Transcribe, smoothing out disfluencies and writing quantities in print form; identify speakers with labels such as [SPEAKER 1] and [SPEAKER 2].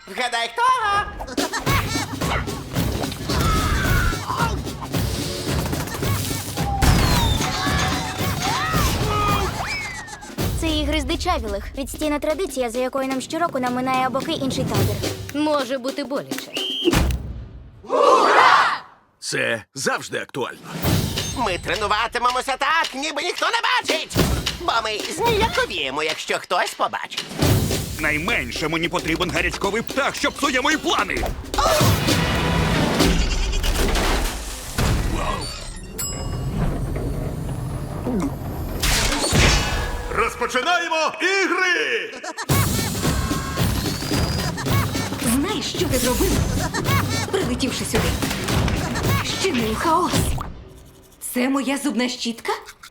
[SPEAKER 1] Вгадай, хто?
[SPEAKER 2] Це ігри здичавілих. Відстійна традиція, за якою нам щороку наминає боки інший табір.
[SPEAKER 3] Може бути боляче.
[SPEAKER 4] Це завжди актуально.
[SPEAKER 1] Ми тренуватимемося так, ніби ніхто не бачить. Бо ми зніяковіємо, якщо хтось побачить.
[SPEAKER 5] Найменше мені потрібен гарячковий птах, що псує мої плани.
[SPEAKER 4] Розпочинаємо ігри!
[SPEAKER 3] Знаєш, що ти зробив, прилетівши сюди? Щинив хаос. Це моя зубна щітка?